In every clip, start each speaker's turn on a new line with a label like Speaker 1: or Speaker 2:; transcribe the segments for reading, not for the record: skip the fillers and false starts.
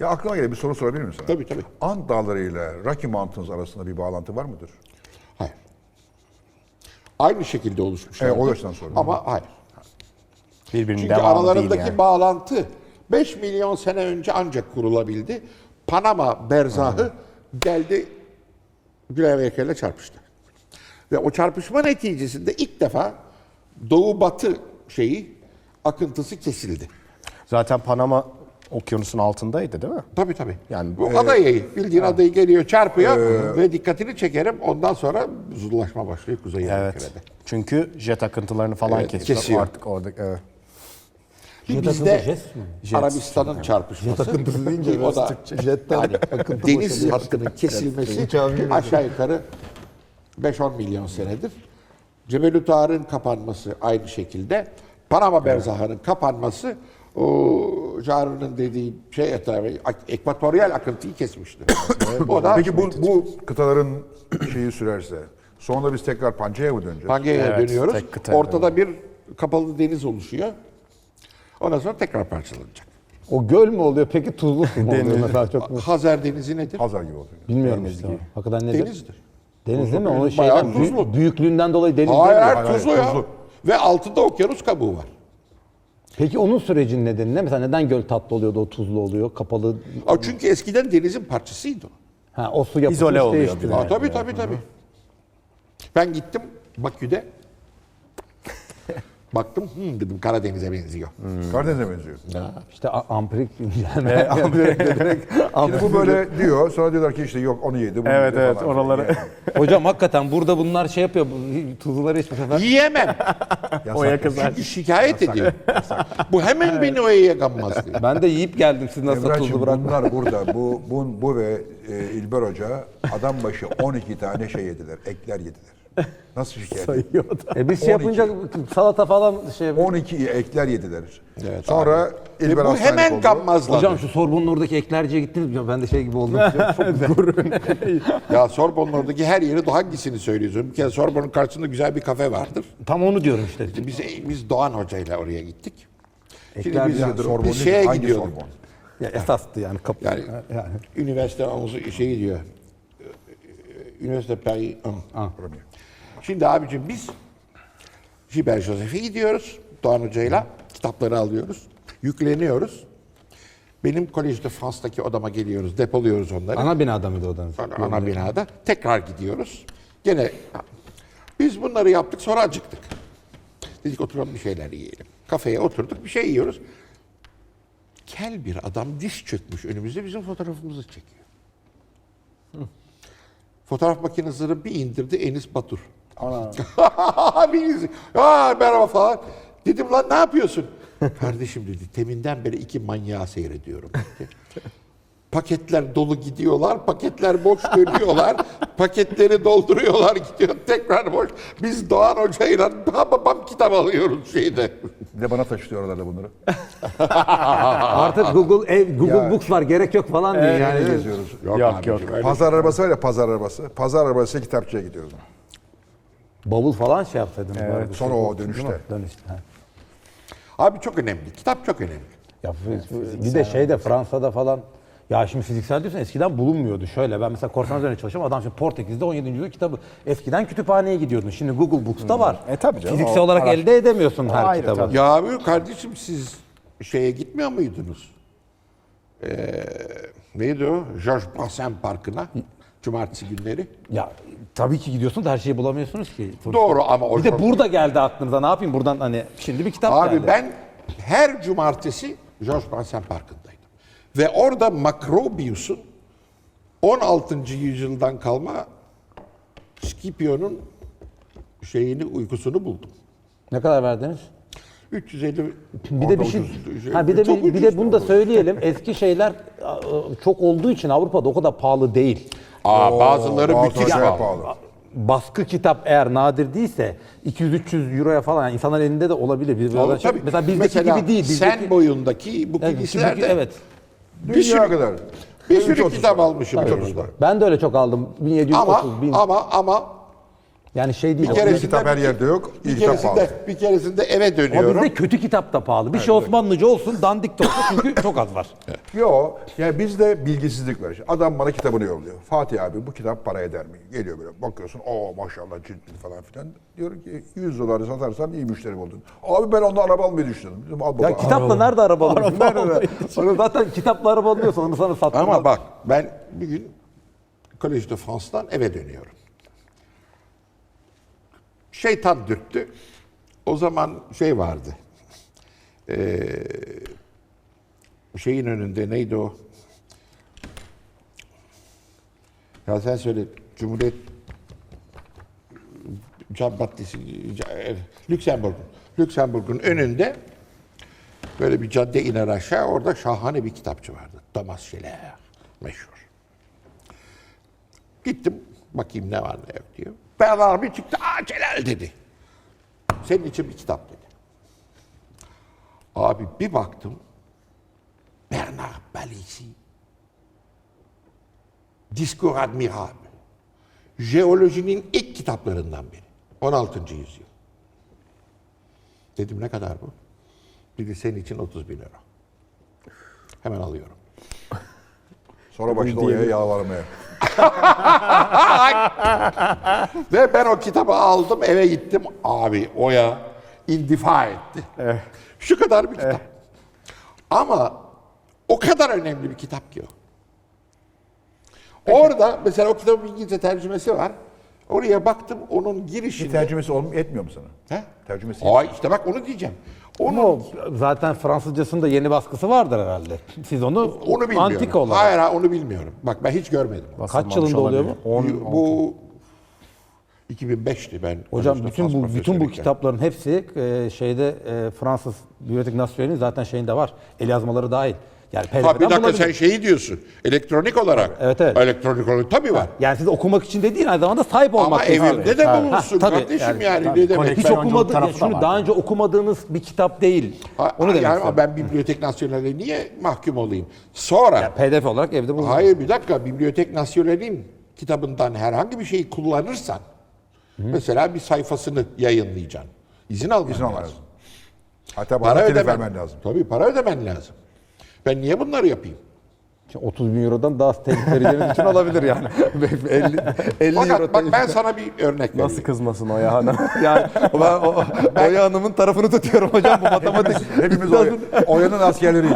Speaker 1: Ya aklıma gelen bir soru sorabilir miyim sana?
Speaker 2: Tabii tabii.
Speaker 1: Ant Dağları ile Rocky Mountains arasında bir bağlantı var mıdır?
Speaker 2: Hayır. Aynı şekilde oluşmuşlar.
Speaker 1: O yüzden sordum.
Speaker 2: Ama hayır.
Speaker 3: Birbirinin
Speaker 2: Çünkü
Speaker 3: devamı
Speaker 2: aralarındaki
Speaker 3: değil yani.
Speaker 2: bağlantı 5 milyon sene önce ancak kurulabildi. Panama berzahı geldi Güney Amerika ile çarpıştı. Ve o çarpışma neticesinde ilk defa doğu-batı akıntısı kesildi.
Speaker 3: Zaten Panama okyanusun altındaydı değil mi?
Speaker 2: Tabii tabii.
Speaker 3: Yani,
Speaker 2: Bu adayı, bildiğin adayı geliyor çarpıyor ve dikkatini çekerim. Ondan sonra buzullaşma başlıyor Kuzey Amerika'da.
Speaker 3: Çünkü jet akıntılarını falan
Speaker 2: Evet,
Speaker 3: kesiyor.
Speaker 2: kesiyor.
Speaker 3: Artık orada evet.
Speaker 2: Bir
Speaker 4: Jet
Speaker 2: bizde
Speaker 4: akıntı, jet mi?
Speaker 2: Arabistan'ın çarpışması.
Speaker 4: Jet akıntısı deyince
Speaker 2: ki o da
Speaker 4: jetten
Speaker 2: yani
Speaker 4: akıntı
Speaker 2: deniz
Speaker 4: boşalıyor.
Speaker 2: hattının kesilmesi
Speaker 4: Uçağı bilmiyorum.
Speaker 2: aşağı yukarı 5-10 milyon senedir. Cebelü Tarık'ın kapanması aynı şekilde. Panama berzahının kapanması o Jarun'un dediği ekvatoryal akıntıyı kesmişti. O da
Speaker 1: Peki bu kıtaların şeyi sürerse sonra biz tekrar Pangea'ya mı döneceğiz?
Speaker 2: Pangea'ya
Speaker 3: Evet,
Speaker 2: dönüyoruz.
Speaker 3: tek kıta,
Speaker 2: Ortada bir kapalı deniz oluşuyor. Ondan sonra tekrar parçalanacak.
Speaker 4: O göl mü oluyor peki tuzlu su mu oluyor mesela çok mu?
Speaker 2: Hazar Denizi nedir?
Speaker 1: Hazar gibi oluyor.
Speaker 4: Bilmiyorum işte. Hakikaten nedir?
Speaker 2: Denizdir.
Speaker 4: Deniz değil mi? Onun
Speaker 2: Bayağı
Speaker 4: şeyden
Speaker 2: tuzlu.
Speaker 4: büyüklüğünden dolayı deniz
Speaker 2: Hayır,
Speaker 4: değil mi?
Speaker 2: hayır, tuzlu ya.
Speaker 1: tuzlu.
Speaker 2: Ve altında okyanus kabuğu var.
Speaker 4: Peki onun sürecinin nedeni ne? Mesela neden göl tatlı oluyor da o tuzlu oluyor? Kapalı.
Speaker 2: Çünkü eskiden denizin parçasıydı o.
Speaker 4: Ha, o su yapısı
Speaker 3: İzole
Speaker 4: hiç
Speaker 3: oluyor
Speaker 4: değişti.
Speaker 3: bir de.
Speaker 2: Tabii. Ben gittim Bakü'de. Baktım dedim Karadeniz'e benziyor.
Speaker 1: Karadeniz'e benziyor.
Speaker 4: İşte ampirik incelme. Ampirik direkt-
Speaker 1: Şimdi bu böyle diyor. Sonra diyorlar ki işte yok onu yedi. Bunu
Speaker 3: Evet
Speaker 1: yedi
Speaker 3: evet
Speaker 1: falan.
Speaker 3: oraları.
Speaker 1: Yani.
Speaker 4: Hocam hakikaten burada bunlar şey yapıyor. Tuzluları hiçbir sefer.
Speaker 2: Yiyemem.
Speaker 3: Oya kızar.
Speaker 2: Çünkü şikayet ediyor. Bu hemen beni oyaya gammaz diyor.
Speaker 4: Ben de yiyip geldim. Siz nasıl
Speaker 1: Emrah'cığım
Speaker 4: tuzlu bırakmadınız?
Speaker 1: bunlar burada. Bu ve İlber Hoca adam başı 12 tane şey yediler. Ekler yediler. Nasıl şikayet ediyor?
Speaker 4: Biz şey
Speaker 1: 12.
Speaker 4: yapınca salata falan şey.
Speaker 1: 12 ekler yediler.
Speaker 2: Evet,
Speaker 1: Sonra
Speaker 2: Ve
Speaker 1: İlber
Speaker 2: bu
Speaker 1: hastanelik
Speaker 2: hemen
Speaker 1: oldu.
Speaker 2: gammazladı.
Speaker 4: Hocam şu Sorbon'un oradaki eklerciye gittiniz mi? Ben de şey gibi oldum. Çok gurur.
Speaker 2: Ya Sorbon'un oradaki her yeri hangisini söylüyorsun? Bir kere Sorbon'un karşısında güzel bir kafe vardır.
Speaker 4: Tam onu diyorum işte.
Speaker 2: Biz Doğan Hoca ile oraya gittik. Şimdi
Speaker 4: Eklerci
Speaker 2: biz,
Speaker 4: yani
Speaker 1: Sorbon
Speaker 2: biz
Speaker 1: değil,
Speaker 2: şeye
Speaker 1: hangi
Speaker 2: gidiyorduk.
Speaker 1: Sorbon?
Speaker 4: Ya esastı yani.
Speaker 2: Yani üniversite gidiyor. Üniversite Paris.
Speaker 1: Premier.
Speaker 2: Şimdi abicim biz Gilbert Joseph'e gidiyoruz Doğan Hoca'yla. Kitapları alıyoruz. Yükleniyoruz. Benim Collège de France'daki odama geliyoruz. Depoluyoruz onları.
Speaker 4: Ana binada mıydı odanız?
Speaker 2: Ana binada. Tekrar gidiyoruz. Gene biz bunları yaptık sonra acıktık. Dedik oturalım bir şeyler yiyelim. Kafeye oturduk bir şey yiyoruz. Kel bir adam diz çökmüş önümüzde bizim fotoğrafımızı çekiyor. Fotoğraf makinesini bir indirdi Enis Batur. Ana. Merhaba falan. Dedim lan ne yapıyorsun? Kardeşim dedi teminden beri iki manyağı seyrediyorum. Dedi. Paketler dolu gidiyorlar, paketler boş dönüyorlar, paketleri dolduruyorlar gidiyor tekrar boş. Biz Doğan Hoca'yla babam kitap alıyoruz şeyde.
Speaker 1: Bir de bana taşıtıyor oralarda bunları.
Speaker 4: Artık Google Books var gerek yok falan diyor
Speaker 1: Yani
Speaker 4: yani.
Speaker 1: geziyoruz.
Speaker 3: Yok,
Speaker 2: abicim,
Speaker 3: yok.
Speaker 2: öyle
Speaker 1: Pazar arabası var ya pazar arabası. Pazar arabası kitapçıya gidiyoruz.
Speaker 4: Bavul falan şey yapsaydınız. bari.
Speaker 1: Sonra o dönüşte.
Speaker 4: Dönüşte. ha.
Speaker 2: Abi çok önemli, kitap çok önemli.
Speaker 4: Ya bir de şeyde Fransa'da falan ya şimdi fiziksel diyorsun eskiden bulunmuyordu. Şöyle ben mesela korsan üzerine çalışıyorum. Adam şimdi Portekiz'de 17. yüzyıl kitabı. Eskiden kütüphaneye gidiyordun. Şimdi Google Books'ta var.
Speaker 3: Tabii canım,
Speaker 4: Fiziksel
Speaker 3: o
Speaker 4: olarak
Speaker 3: araç.
Speaker 4: elde edemiyorsun her
Speaker 3: Ayrı
Speaker 4: kitabı.
Speaker 3: tabii.
Speaker 2: Ya abi kardeşim siz şeye gitmiyor muydunuz? Neydi o? Georges Brassens Parkı'na. Cumartesi günleri.
Speaker 4: Ya tabii ki gidiyorsun da her şeyi bulamıyorsunuz ki.
Speaker 2: Doğru ama o
Speaker 4: Bir de burada geldi aklınıza ne yapayım buradan hani şimdi bir kitap
Speaker 2: Abi
Speaker 4: geldi.
Speaker 2: ben her cumartesi Georges Brassens Parkı'ndaydım. Ve orada Macrobius'un 16. yüzyıldan kalma Scipio'nun uykusunu buldum.
Speaker 4: Ne kadar verdiniz?
Speaker 2: 350
Speaker 4: Bir de bir şey, ha bir de
Speaker 2: Çok
Speaker 4: bir de
Speaker 2: ucuz
Speaker 4: bunu da
Speaker 2: oldu.
Speaker 4: söyleyelim. Eski şeyler çok olduğu için Avrupa'da o kadar pahalı değil.
Speaker 2: Bazıları
Speaker 1: Bazı
Speaker 2: müthiş
Speaker 1: acayip
Speaker 2: pahalı.
Speaker 4: Baskı kitap eğer nadir değilse 200-300 euroya falan yani insanların elinde de olabilir.
Speaker 2: Tabii.
Speaker 4: Mesela bizdeki
Speaker 2: Mesela
Speaker 4: gibi değil.
Speaker 2: sen boyundaki bu
Speaker 4: Evet,
Speaker 2: kilislerde
Speaker 4: evet.
Speaker 2: bir sürü,
Speaker 1: Dünya kadar.
Speaker 2: bir sürü
Speaker 1: 330
Speaker 2: kitap
Speaker 1: var.
Speaker 2: almışım.
Speaker 1: Tabii.
Speaker 2: orada.
Speaker 4: Ben de öyle çok aldım. 1730
Speaker 2: Ama
Speaker 4: Yani şey değil.
Speaker 2: Bir
Speaker 4: o-
Speaker 2: kere-
Speaker 1: kitap her yerde yok.
Speaker 2: Bir
Speaker 1: İlk kitap pahalı.
Speaker 2: keresinde eve
Speaker 4: Ama
Speaker 2: dönüyorum.
Speaker 4: bizde kötü kitap da pahalı. Bir şey Osmanlıca olsun, dandik de olsun çünkü çok az var.
Speaker 1: Yo, yani bizde bilgisizlik var. Adam bana kitabını yolluyor. Fatih abi bu kitap para eder mi? Geliyor böyle bakıyorsun. Oo maşallah ciltli falan filan. Diyor ki 100 doları satarsan iyi müşteri buldun. Abi ben ondan araba almayı düşünüyorum. Dedim, al baba.
Speaker 4: Ya kitapla nerede araba alıyorsun? Nerede? Onu zaten kitapla araba alıyorsan onu sana sattım.
Speaker 2: Ama bak ben bir gün Collège de France'dan eve dönüyorum. Şeytan dürttü. O zaman şey vardı. Şeyin önünde neydi o? Ya sen söyle. Cumhuriyet Caddesi Lüksemburg'un önünde böyle bir cadde iner aşağı. Orada şahane bir kitapçı vardı. Thomas Schiller. Meşhur. Gittim. Bakayım ne var ne yok diyor. Bernard abi çıktı. Aa Celal dedi. Senin için bir kitap dedi. Abi bir baktım. Bernard Palissy. Discours admirable. Jeolojinin ilk kitaplarından biri. 16. yüzyıl. Dedim ne kadar bu? Dedi senin için 30.000 euro. Hemen alıyorum.
Speaker 1: Sonra başladı Oya'ya yalvarmaya.
Speaker 2: Ve ben o kitabı aldım eve gittim. Abi Oya indifa etti. Şu kadar bir kitap. Ama o kadar önemli bir kitap ki o. Orada mesela o kitabın İngilizce tercümesi var. Oraya baktım onun girişinde.
Speaker 1: Tercümesi etmiyor mu sana?
Speaker 2: He?
Speaker 1: Tercümesi
Speaker 2: Ay işte bak onu diyeceğim.
Speaker 4: Ama o zaten Fransızcasında yeni baskısı vardır herhalde. Siz onu
Speaker 2: bilmiyorum.
Speaker 4: antik olarak.
Speaker 2: Hayır onu bilmiyorum. Bak ben hiç görmedim.
Speaker 4: Kaç yılında oluyor bu?
Speaker 2: Bu 2005'ti ben.
Speaker 4: Hocam
Speaker 2: Paris'te
Speaker 4: bütün
Speaker 2: Frans
Speaker 4: bu
Speaker 2: profesörüyken.
Speaker 4: kitapların hepsi Fransız Bibliotek Nasyonel'in zaten şeyinde var. El yazmaları dahil. Yani
Speaker 2: Ha bir
Speaker 4: PDF'den
Speaker 2: dakika
Speaker 4: bulabilir.
Speaker 2: sen şeyi diyorsun. Elektronik olarak.
Speaker 4: Evet, evet.
Speaker 2: Elektronik olarak tabii var.
Speaker 4: Yani siz okumak için de değil aynı zamanda sahip olmak
Speaker 2: Ama
Speaker 4: için.
Speaker 2: evinde de
Speaker 4: Ha,
Speaker 2: bulunsun
Speaker 4: tabii.
Speaker 2: kardeşim yani.
Speaker 3: tabii.
Speaker 2: Ne demek?
Speaker 4: Hiç
Speaker 3: Koleksiyonculuk
Speaker 4: okumadığınız,
Speaker 3: tarafı da
Speaker 4: şunu
Speaker 3: var.
Speaker 4: daha önce okumadığınız bir kitap değil. Onu demek
Speaker 2: yani
Speaker 4: istiyorum.
Speaker 2: ben Bibliotek Nasyonel'e niye mahkum olayım? Sonra
Speaker 4: PDF olarak evde bulunur.
Speaker 2: hayır bir dakika Bibliotek Nasyonel'in kitabından herhangi bir şeyi kullanırsan mesela bir sayfasını yayınlayacaksın. İzin alman
Speaker 1: İzin alman
Speaker 2: lazım.
Speaker 1: lazım. Hatta
Speaker 2: Para
Speaker 1: bana telif
Speaker 2: ödemen
Speaker 1: vermen lazım.
Speaker 2: Tabii para ödemen lazım. Ben niye bunları yapayım?
Speaker 4: 30 bin eurodan daha az telif vereceğiniz için olabilir yani. 50 euro
Speaker 2: Fakat bak
Speaker 4: telif.
Speaker 2: ben sana bir örnek vereyim.
Speaker 3: Nasıl kızmasın Oya Hanım?
Speaker 4: Yani ben Oya Hanım'ın tarafını tutuyorum hocam bu matematik.
Speaker 1: Hepimiz Oya'nın askerleriyiz.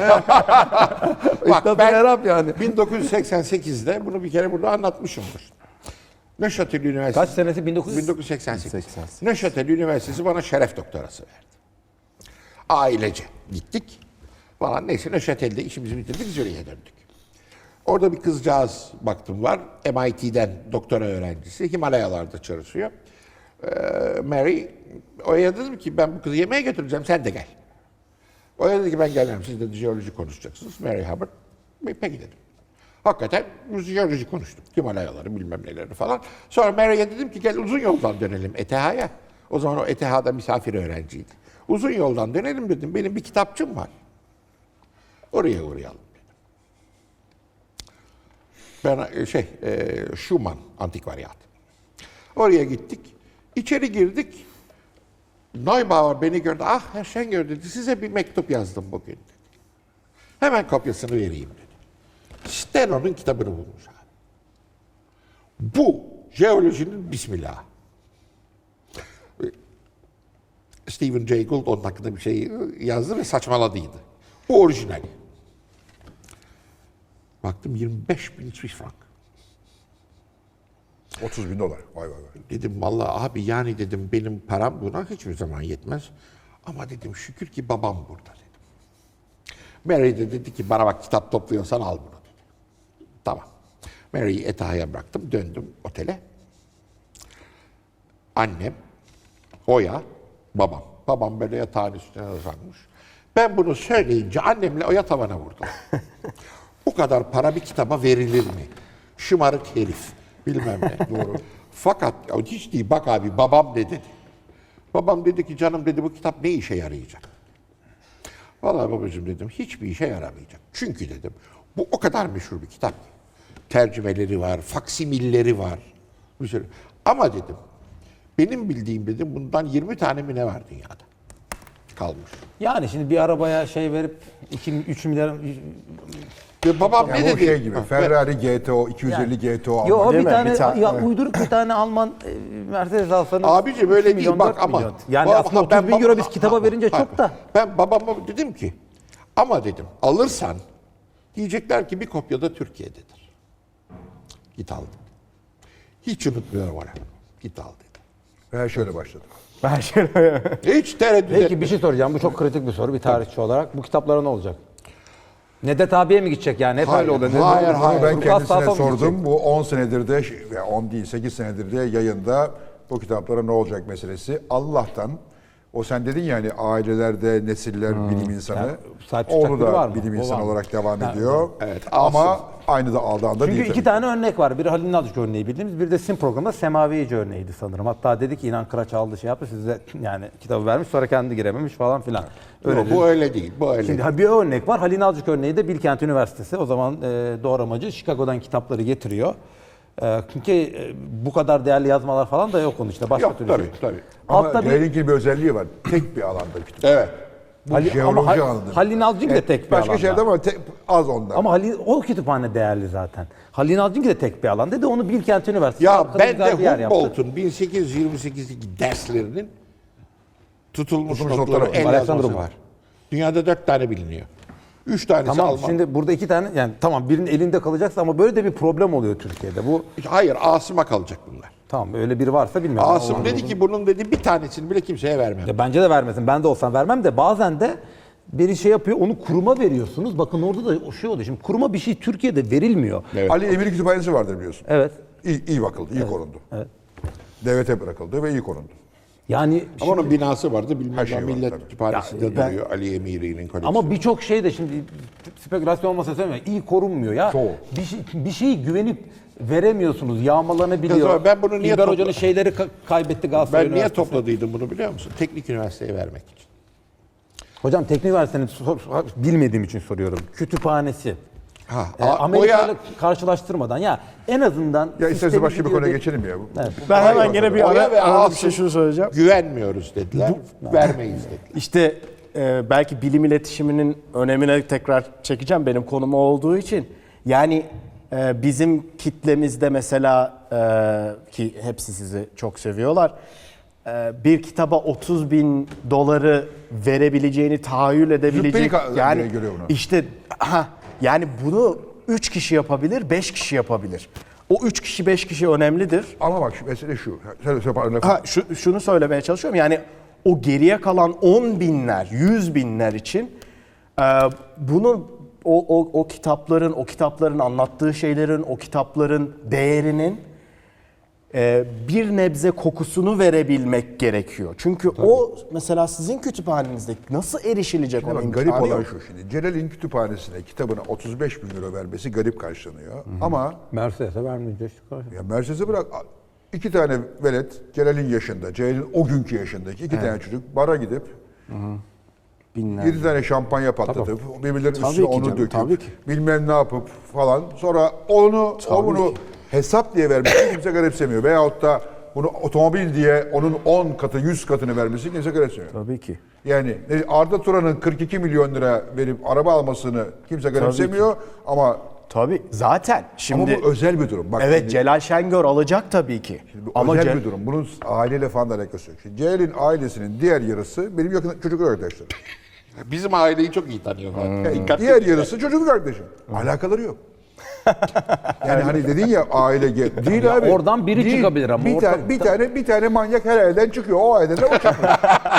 Speaker 2: Bak
Speaker 4: Üstad
Speaker 2: ben
Speaker 4: Erap yani.
Speaker 2: 1988'de bunu bir kere burada anlatmışımdır. Neuchâtel Üniversitesi.
Speaker 4: Kaç senesi?
Speaker 2: 1988.
Speaker 3: 88.
Speaker 2: Neuchâtel Üniversitesi bana şeref doktorası verdi. Ailece gittik falan. Neyse Neuchâtel'de işimizi bitirdik, Zürih'e döndük. Orada bir kızcağız baktım var. MIT'den doktora öğrencisi. Himalayalarda çalışıyor. Mary, Oya dedim ki ben bu kızı yemeğe götüreceğim, sen de gel. Oya dedi ki ben gelmem, siz de jeoloji konuşacaksınız. Mary Hubbard, peki dedim. Hakikaten jeoloji konuştuk. Himalayaları bilmem neleri falan. Sonra Mary'e dedim ki gel uzun yoldan dönelim ETH'ya. O zaman o ETH'da misafir öğrenciydi. Uzun yoldan dönelim dedim. Benim bir kitapçım var. Oraya uğrayalım dedim. Ben Schumann antikvariyat. Oraya gittik. İçeri girdik. Neubauer beni gördü. Ah Herr Schenger dedi. Size bir mektup yazdım bugün dedi. Hemen kopyasını vereyim dedi. Steno'nun kitabını bulmuş abi. Bu jeolojinin bismillah. Stephen Jay Gould onun hakkında bir şey yazdı ve saçmaladıydı. Bu orijinali. Baktım 25.000 Swiss frank.
Speaker 1: 30.000 dolar. Vay vay vay.
Speaker 2: Dedim vallahi abi yani dedim benim param buna hiçbir zaman yetmez. Ama dedim şükür ki babam burada dedim. Mary de dedi ki bana bak kitap topluyorsan al bunu dedi. Tamam. Mary'i ETH'ya bıraktım. Döndüm otele. Annem, Oya, babam. Babam böyle yatağın üstüne uzanmış. Ben bunu söyleyince annemle Oya tavana vurdu. Bu kadar para bir kitaba verilir mi? Şımarık herif. Bilmem ne. Doğru. Fakat hiç değil bak abi babam ne dedi. Babam dedi ki canım dedi bu kitap ne işe yarayacak? Vallahi babacığım dedim hiçbir işe yaramayacak. Çünkü dedim bu o kadar meşhur bir kitap ki. Tercümeleri var, faksimilleri var. Bir sürü. Ama dedim Benim bildiğim dedim bundan 20 tane mi ne var dünyada? Kalmış.
Speaker 4: Yani şimdi bir arabaya şey verip 2-3 milyar...
Speaker 2: Ve babam
Speaker 1: Yani
Speaker 2: ne
Speaker 1: o
Speaker 2: dedi?
Speaker 1: şey gibi. Ferrari GTO, 250 GTO
Speaker 4: Yo
Speaker 1: almak.
Speaker 4: bir
Speaker 3: mi?
Speaker 4: tane,
Speaker 3: Bir tane,
Speaker 4: ya
Speaker 3: evet.
Speaker 4: uyduruk bir tane Alman Mercedes alsanız...
Speaker 2: Abici böyle
Speaker 4: 2
Speaker 2: değil
Speaker 4: milyon,
Speaker 2: bak
Speaker 4: 4
Speaker 2: ama.
Speaker 4: milyon. Yani
Speaker 2: Bu-
Speaker 4: aslında 30 bin
Speaker 2: baba-
Speaker 4: euro biz kitaba verince çok da.
Speaker 2: Ben babama dedim ki ama dedim alırsan diyecekler ki bir kopya da Türkiye'dedir. Git al dedim. Hiç unutmuyorum onu. Git al dedim.
Speaker 1: Ve şöyle başladı.
Speaker 3: Ben şöyle...
Speaker 2: Hiç tereddüt
Speaker 4: Peki
Speaker 2: etmedim.
Speaker 4: bir şey soracağım. Bu çok kritik bir soru bir tarihçi olarak. Bu kitaplara ne olacak? Nedet abiye mi gidecek yani? Hep
Speaker 2: Hayır,
Speaker 4: öyle oluyor.
Speaker 2: hayır,
Speaker 1: Bunu
Speaker 2: hayır.
Speaker 1: ben
Speaker 4: Turkuaz
Speaker 1: kendisine
Speaker 4: Sağlam
Speaker 1: sordum.
Speaker 4: gidecek.
Speaker 1: Bu 10 senedir de, ve 10 değil 8 senedir de yayında bu kitaplara ne olacak meselesi. Allah'tan o sen dedin ya hani ailelerde nesiller bilim insanı.
Speaker 4: Yani sahip çıkacak
Speaker 1: Oğlu
Speaker 4: biri var
Speaker 1: da
Speaker 4: mı?
Speaker 1: bilim
Speaker 4: O
Speaker 1: insanı
Speaker 4: var mı?
Speaker 1: olarak devam
Speaker 4: Ha,
Speaker 1: ediyor.
Speaker 2: evet,
Speaker 1: Ama aynı da aldığında
Speaker 4: Çünkü
Speaker 1: değil.
Speaker 4: iki
Speaker 1: tabii.
Speaker 4: tane örnek var. Biri Halil Nalcık örneği bildiğimiz, bir de Sim programında Semavici örneğiydi sanırım. Hatta dedi ki İnan Kıraç aldı şey yaptı size yani kitabı vermiş sonra kendi girememiş falan filan.
Speaker 2: Yok, bu öyle değil. Bu öyle
Speaker 4: Şimdi
Speaker 2: değil.
Speaker 4: bir örnek var. Halil Nalcık örneği de Bilkent Üniversitesi. O zaman doğramacı Chicago'dan kitapları getiriyor. Çünkü bu kadar değerli yazmalar falan da yok onun işte. Başka
Speaker 2: Yok
Speaker 4: türlü
Speaker 2: tabii
Speaker 4: şey.
Speaker 2: tabii.
Speaker 1: Ama
Speaker 4: Altta bir
Speaker 1: Ceylin'in bir özelliği var. Tek bir alanda kütüp.
Speaker 2: Evet.
Speaker 1: Bu jeoloji alanı.
Speaker 4: Halil Nalcık de tek bir
Speaker 1: Başka
Speaker 4: alanda.
Speaker 1: şeyde ama az ondan.
Speaker 4: Ama o kütüphane değerli zaten. Halil Nalcık de tek bir alan dedi. Onu Bilkent Üniversitesi.
Speaker 2: Ya
Speaker 4: arkada
Speaker 2: ben
Speaker 4: güzel bir
Speaker 2: de
Speaker 4: yer yaptı.
Speaker 2: Humboldt'un 1828'deki derslerinin tutulmuş
Speaker 1: Tutulmuş
Speaker 2: notları
Speaker 1: notları var.
Speaker 2: el
Speaker 4: Alexander
Speaker 2: yazması
Speaker 4: var.
Speaker 2: var. Dünyada 4 tane biliniyor. 3 tanesi
Speaker 4: Tamam
Speaker 2: Alman.
Speaker 4: şimdi burada iki tane yani tamam birinin elinde kalacaksa ama böyle de bir problem oluyor Türkiye'de. Bu
Speaker 2: Hayır Asım'a kalacak bunlar.
Speaker 4: tamam öyle biri varsa bilmiyorum.
Speaker 2: Asım dedi ki bunun dedi bir tanesini bile kimseye vermem.
Speaker 4: Ya bence de vermesin. Ben de olsam vermem de bazen de biri şey yapıyor onu kuruma veriyorsunuz. Bakın orada da o şey oluyor. Şimdi kuruma bir şey Türkiye'de verilmiyor.
Speaker 2: Evet.
Speaker 1: Ali Emir Kütüphanesi vardır biliyorsun.
Speaker 4: Evet.
Speaker 1: İyi bakıldı, iyi korundu.
Speaker 4: Evet.
Speaker 1: Devlete bırakıldı ve iyi korundu.
Speaker 4: Yani
Speaker 2: Ama onun binası vardı bilmem
Speaker 1: Her şey
Speaker 2: ne
Speaker 1: var,
Speaker 2: Millet
Speaker 1: tabii.
Speaker 2: Kütüphanesi'nde
Speaker 4: Ya, ben-
Speaker 2: duruyor Ali Emiri'nin koleksiyonu.
Speaker 4: ama birçok şey de şimdi spekülasyon olmasa söylemiyorum. İyi korunmuyor ya.
Speaker 1: Çoğu.
Speaker 4: Bir şeyi güvenip veremiyorsunuz. Yağmalanabiliyor.
Speaker 2: Ya ben bunu niye
Speaker 4: İlber
Speaker 2: topla-
Speaker 4: Hoca'nın şeyleri kaybetti Galatasaray
Speaker 2: Ben niye
Speaker 4: Üniversitesi.
Speaker 2: topladıydım bunu biliyor musun? Teknik üniversiteye vermek için.
Speaker 4: Hocam Teknik Üniversitenin bilmediğim için soruyorum. Kütüphanesi.
Speaker 2: Ha,
Speaker 4: Amerika ile
Speaker 2: Oya,
Speaker 4: karşılaştırmadan ya en azından
Speaker 1: Ya istersen
Speaker 4: sistemi
Speaker 1: başka bir
Speaker 4: gidiyor
Speaker 1: konuya
Speaker 4: de-
Speaker 1: geçelim ya.
Speaker 4: Evet.
Speaker 3: Ben hemen gene bir
Speaker 2: Oya ve
Speaker 3: arada bir
Speaker 2: Asım
Speaker 3: şey şunu söyleyeceğim.
Speaker 2: güvenmiyoruz dediler. Vermeyiz dediler.
Speaker 3: İşte belki bilim iletişiminin önemine tekrar çekeceğim benim konum o olduğu için. Yani bizim kitlemizde mesela ki hepsi sizi çok seviyorlar. Bir kitaba 30 bin doları verebileceğini tahayyül edebilecek.
Speaker 1: Züppeli görüyor bunu.
Speaker 3: İşte yani bunu 3 kişi yapabilir, 5 kişi yapabilir. O 3 kişi, 5 kişi önemlidir.
Speaker 1: Ama bak mesele şu.
Speaker 3: Şunu söylemeye çalışıyorum. Yani o geriye kalan 10 binler, 100 binler için bunu o kitapların anlattığı şeylerin, o kitapların değerinin bir nebze kokusunu verebilmek gerekiyor. Çünkü o mesela sizin kütüphanenizde nasıl erişilecek
Speaker 1: Ama
Speaker 3: onun
Speaker 1: garip
Speaker 3: imkanı
Speaker 1: olan
Speaker 3: yok.
Speaker 1: şu şimdi. Celal'in kütüphanesine kitabına 35 bin euro vermesi garip karşılanıyor. Ama
Speaker 4: Mercedes'e vermeyeceğiz.
Speaker 1: ya Mercedes'e bırak 2 tane velet Celal'in yaşında, Celal'in o günkü yaşındaki 2 tane çocuk bara gidip
Speaker 3: Binler.
Speaker 1: 7 tane şampanya patlatıp birbirlerinin
Speaker 3: Tabii
Speaker 1: üstüne
Speaker 3: ki
Speaker 1: onu
Speaker 3: canım,
Speaker 1: döküp
Speaker 3: tabii ki.
Speaker 1: bilmem ne yapıp falan sonra onu hesap diye vermesi kimse garipsemiyor. Veyahut da bunu otomobil diye onun 10 katı 100 katını vermesi kimse garipsemiyor.
Speaker 3: Tabii ki.
Speaker 1: Yani Arda Turan'ın 42 milyon lira verip araba almasını kimse garipsemiyor ama
Speaker 3: Tabii zaten şimdi
Speaker 1: bu özel bir durum. Bak
Speaker 3: evet
Speaker 1: şimdi-
Speaker 3: Celal Şengör alacak tabii ki.
Speaker 1: Bu
Speaker 3: Ama
Speaker 1: özel bir durum. Bunun aileyle falan da alakası yok. Şimdi Celal'in ailesinin diğer yarısı benim yakın çocukluk arkadaşlarım.
Speaker 2: Bizim aileyi çok iyi tanıyorlar.
Speaker 1: Diğer yarısı çocukluk arkadaşım. Alakaları yok. Yani hani dedin ya aile değil
Speaker 4: Ya
Speaker 1: abi.
Speaker 4: oradan biri
Speaker 1: Değil.
Speaker 4: çıkabilir ama
Speaker 1: bir
Speaker 4: ortalıkta-
Speaker 1: tane bir tane manyak her aileden çıkıyor. O aileden de o çıkıyor.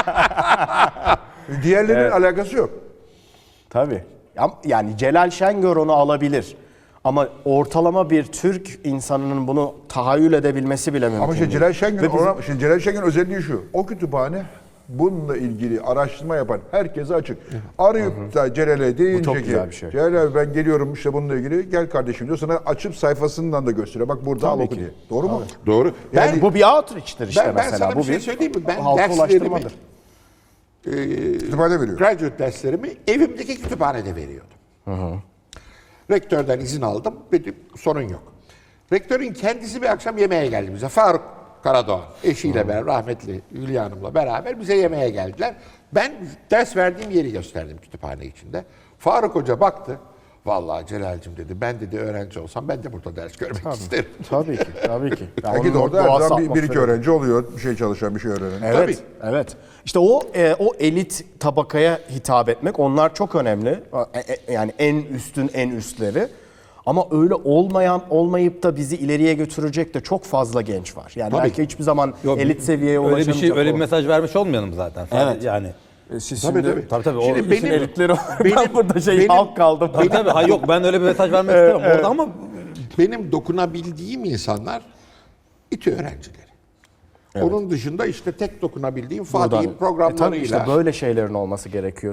Speaker 1: Diğerlerinin alakası yok.
Speaker 3: Tabii. Yani Celal Şengör onu alabilir. Ama ortalama bir Türk insanının bunu tahayyül edebilmesi bile mümkün
Speaker 1: Ama işte
Speaker 3: değil.
Speaker 1: Celal Şengör,
Speaker 3: Ve bizim-
Speaker 1: şimdi Celal Şengör özelliği şu. O kütüphane bununla ilgili araştırma yapan herkese açık. Arayıp da Celal'e deyince
Speaker 3: çok
Speaker 1: ki
Speaker 3: güzel bir şey.
Speaker 1: Celal abi ben geliyorum işte bununla ilgili gel kardeşim diyor. Sana açıp sayfasından da gösteriyor. Bak burada al oku diye. Doğru mu?
Speaker 2: Doğru.
Speaker 1: Yani
Speaker 3: bu bir outreach'tir işte
Speaker 2: ben
Speaker 3: mesela.
Speaker 2: sana
Speaker 3: Bu
Speaker 2: bir şey söyleyeyim mi? Ben
Speaker 3: halka
Speaker 2: derslerimi,
Speaker 3: ulaştırmadır.
Speaker 1: kütüphane veriyor.
Speaker 2: graduate derslerimi evimdeki kütüphanede veriyordum. Rektörden izin aldım. Dedim sorun yok. Rektörün kendisi bir akşam yemeğe geldi bize. Faruk Karadoğan eşiyle beraber, rahmetli Hülya Hanım'la beraber bize yemeğe geldiler. Ben ders verdiğim yeri gösterdim kütüphane içinde. Faruk Hoca baktı. Vallahi Celal'cim dedi, ben dedi öğrenci olsam ben de burada ders görmek isterim.
Speaker 3: Tabii ki, tabii ki. Yani
Speaker 1: Belki de
Speaker 3: onun
Speaker 1: orada her
Speaker 3: doğası
Speaker 1: zaman bir iki
Speaker 3: atmosferi.
Speaker 1: öğrenci oluyor. Bir şey çalışan, bir şey öğrenen.
Speaker 3: Evet,
Speaker 2: Tabii.
Speaker 3: evet. İşte o elit tabakaya hitap etmek, onlar çok önemli. Yani en üstün en üstleri. Ama öyle olmayıp da bizi ileriye götürecek de çok fazla genç var. Yani
Speaker 2: Tabii.
Speaker 3: belki hiçbir zaman
Speaker 4: Yok,
Speaker 3: elit seviyeye
Speaker 4: öyle bir
Speaker 3: ulaşamayacak.
Speaker 4: öyle bir
Speaker 3: o.
Speaker 4: mesaj vermiş olmayalım zaten. Sadece
Speaker 3: Evet.
Speaker 4: Yani
Speaker 3: Siz
Speaker 2: Tabii,
Speaker 3: şimdi,
Speaker 2: tabii.
Speaker 4: tabii o
Speaker 2: Şimdi
Speaker 3: işin elitleri ben
Speaker 2: benim-
Speaker 3: burada
Speaker 2: benim-
Speaker 3: halk kaldım.
Speaker 4: tabii hayır yok ben öyle bir mesaj vermek istemem orada ama
Speaker 2: Benim dokunabildiğim insanlar İTÜ öğrencileri. Onun dışında işte tek dokunabildiğim Fatih'in
Speaker 3: Tabii
Speaker 2: programlarıyla.
Speaker 3: işte böyle şeylerin olması gerekiyor.